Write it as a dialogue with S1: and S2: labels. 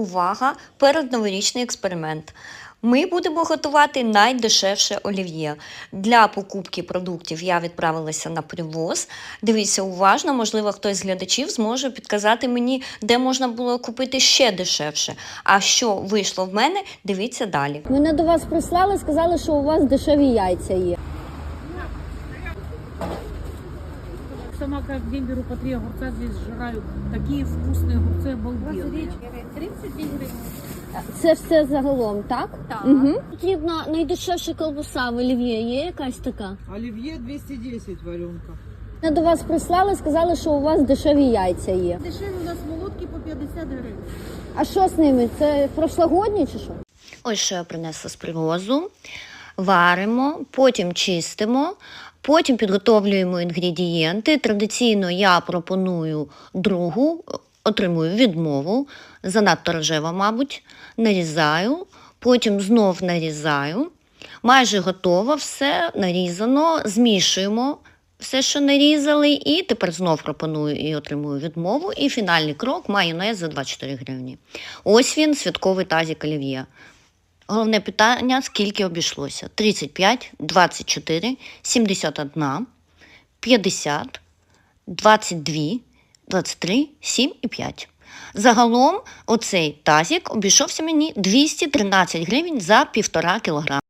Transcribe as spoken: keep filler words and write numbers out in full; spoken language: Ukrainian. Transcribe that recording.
S1: увага, передноворічний експеримент. Ми будемо готувати найдешевше олів'є. Для покупки продуктів я відправилася на привоз. Дивіться уважно, можливо, хтось з глядачів зможе підказати мені, де можна було купити ще дешевше. А що вийшло в мене, дивіться далі.
S2: Мене до вас прислали, сказали, що у вас дешеві яйця є.
S3: Сама каждый день беру по три огурца, здесь сжираю. Такие вкусные огурцы, обалденные. тридцять гривен.
S2: Це все загалом, так?
S3: Так.
S2: Угу. Потрібна найдешевша колбаса в олів'є. Є якась така?
S4: Оливье двести десять варенка.
S2: Мене до вас прислали, сказали, що у вас дешеві яйця є.
S3: Дешеві у нас молотки по п'ятдесят гривень.
S2: А що з ними? Це прошлогодні чи що?
S1: Ось що я принесла з привозу. Варимо, потім чистимо, потім підготовлюємо інгредієнти. Традиційно я пропоную другу, отримую відмову, занадто рожева, мабуть, нарізаю, потім знов нарізаю. Майже готово, все нарізано, змішуємо все, що нарізали, і тепер знов пропоную і отримую відмову. І фінальний крок – майонез за двадцять чотири гривні. Ось він, святковий тазик олів'є. Головне питання – скільки обійшлося? тридцять п'ять, двадцять чотири, сімдесят один, п'ятдесят, двадцять два, двадцять три, сім і п'ять. Загалом оцей тазик обійшовся мені двісті тринадцять гривень за півтора кілограма.